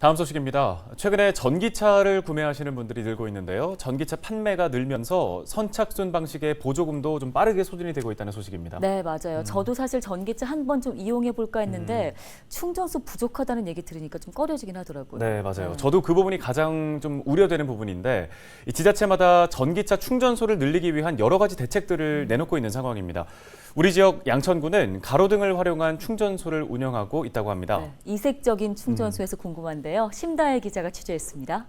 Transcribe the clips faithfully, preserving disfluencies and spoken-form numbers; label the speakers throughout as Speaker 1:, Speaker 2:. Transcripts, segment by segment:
Speaker 1: 다음 소식입니다. 최근에 전기차를 구매하시는 분들이 늘고 있는데요. 전기차 판매가 늘면서 선착순 방식의 보조금도 좀 빠르게 소진이 되고 있다는 소식입니다.
Speaker 2: 네, 맞아요.
Speaker 1: 음.
Speaker 2: 저도 사실 전기차 한 번 좀 이용해 볼까 했는데
Speaker 1: 음.
Speaker 2: 충전소 부족하다는 얘기 들으니까 좀 꺼려지긴 하더라고요.
Speaker 1: 네, 맞아요.
Speaker 2: 네.
Speaker 1: 저도 그 부분이 가장 좀 우려되는 부분인데 이 지자체마다 전기차 충전소를 늘리기 위한 여러 가지 대책들을 내놓고 있는 상황입니다. 우리 지역 양천구는 가로등을 활용한 충전소를 운영하고 있다고 합니다.
Speaker 2: 네, 이색적인
Speaker 1: 음.
Speaker 2: 충전소에서 궁금한데요. 심다혜 기자가 취재했습니다.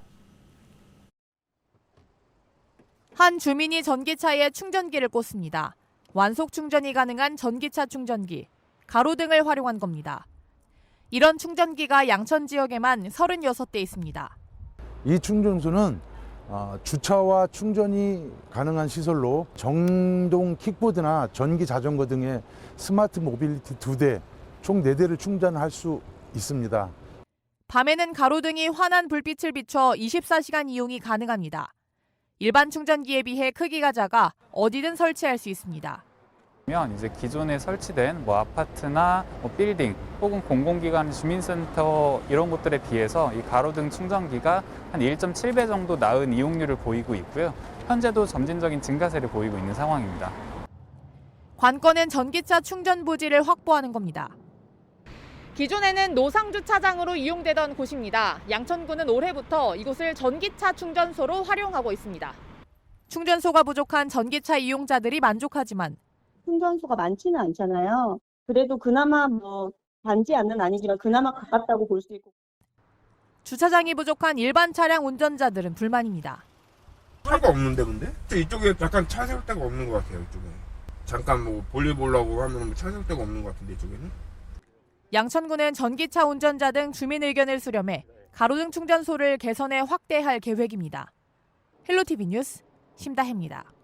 Speaker 3: 한 주민이 전기차에 충전기를 꽂습니다. 완속 충전이 가능한 전기차 충전기, 가로등을 활용한 겁니다. 이런 충전기가 양천 지역에만 서른여섯 대 있습니다.
Speaker 4: 이 충전소는 주차와 충전이 가능한 시설로 정동 킥보드나 전기 자전거 등의 스마트 모빌리티 두 대, 총 네 대를 충전할 수 있습니다.
Speaker 3: 밤에는 가로등이 환한 불빛을 비춰 이십사 시간 이용이 가능합니다. 일반 충전기에 비해 크기가 작아 어디든 설치할 수 있습니다.
Speaker 5: 이제 기존에 설치된 뭐 아파트나 뭐 빌딩 혹은 공공기관, 주민센터 이런 곳들에 비해서 이 가로등 충전기가 한 일 점 칠 배 정도 나은 이용률을 보이고 있고요. 현재도 점진적인 증가세를 보이고 있는 상황입니다.
Speaker 3: 관건은 전기차 충전 부지를 확보하는 겁니다. 기존에는 노상주차장으로 이용되던 곳입니다. 양천구는 올해부터 이곳을 전기차 충전소로 활용하고 있습니다. 충전소가 부족한 전기차 이용자들이 만족하지만
Speaker 6: 충전소가 많지는 않잖아요. 그래도 그나마 뭐 단지 않는 아니지만 그나마 가깝다고 볼 수 있고.
Speaker 3: 주차장이 부족한 일반 차량 운전자들은 불만입니다.
Speaker 7: 차가 없는데 근데? 이쪽에 약간 차 세울 데가 없는 것 같아요. 이쪽에 잠깐 뭐 볼일 보려고 하면 차 세울 데가 없는 것 같은데 이쪽에는?
Speaker 3: 양천구는 전기차 운전자 등 주민 의견을 수렴해 가로등 충전소를 개선해 확대할 계획입니다. 헬로티비 뉴스 심다혜입니다.